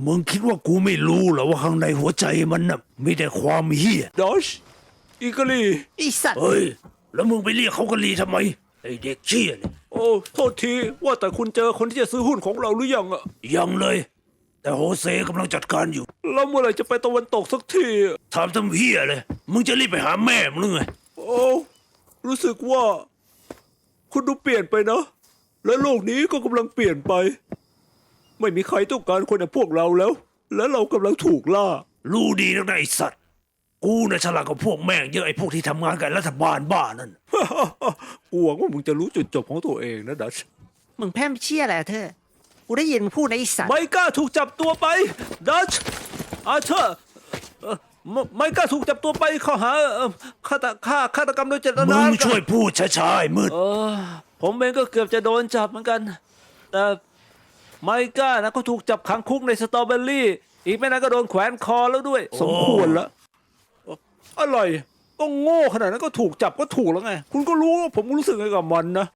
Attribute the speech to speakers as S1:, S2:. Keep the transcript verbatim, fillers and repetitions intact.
S1: มึงคิดว่ากูไม่รู้เหรอว่าข้างในหัวใจมันน่ะมีแต่ความเฮี้ย
S2: ดอชอีกาลี
S3: ไอสัตว์
S1: เฮ้ยแล้วมึงไปเรียกเขากะลีทำไมไอเด็กเชี่ยเนี่ย
S2: โอ้โทษทีว่าแต่คุณเจอคนที่จะซื้อหุ้นของเราหรือยังอะ
S1: ยังเลย แต่โฮเซกำลังจัดการอยู่
S2: แล้วเมื่อไหร่จะไปตะวันตกสักทีอะ
S1: ถามทำเฮี้ยเลยมึงจะรีบไปหาแม่มึงหรือไง
S2: โอ้รู้สึกว่า คุณดูเปลี่ยนไปนะและโลกนี้ก็กำลังเปลี่ยนไป ไม่มีใครต้องการคนอย่างพวกเราแล้ว และเรากำลังถูกล่า
S1: รู้ดีนักนะไอสัตว์กูน่ะฉลาดกว่าพวกแม่งเยอะไอพวกที่ทำงานกับรัฐบาลบ้านั่น
S2: กูหวังว่ามึงจะรู้จุดจบของตัวเองนะดัช
S3: มึงแพร่มเชี่ยอะไรอะเธอกูได้ยินมึงพูดในะไอสัตว์
S2: ไมก้าถูกจับตัวไปดัชอาเธอร์เอ่อไมไมก้าถูกจับตัวไปข้อหาเอ่อฆาตฆ่าฆาตกรรมโดยเจต
S1: มึ
S2: นาง
S1: ช่วยพูดช้าๆไอ้มืด
S2: เออผมเองก็เกือบจะโดนจับเหมือนกัน แต่ไมก้านะก็ถูกจับขังคุกในสตรอเบอรี่ อีกไม่นานก็โดนแขวนคอแล้วด้วย สมควรแล้วอะไรก็โง่ขนาดนั้นก็ถูกจับก็ถูกแล้วไง คุณก็รู้ว่าผมรู้สึกไงกับมันนะ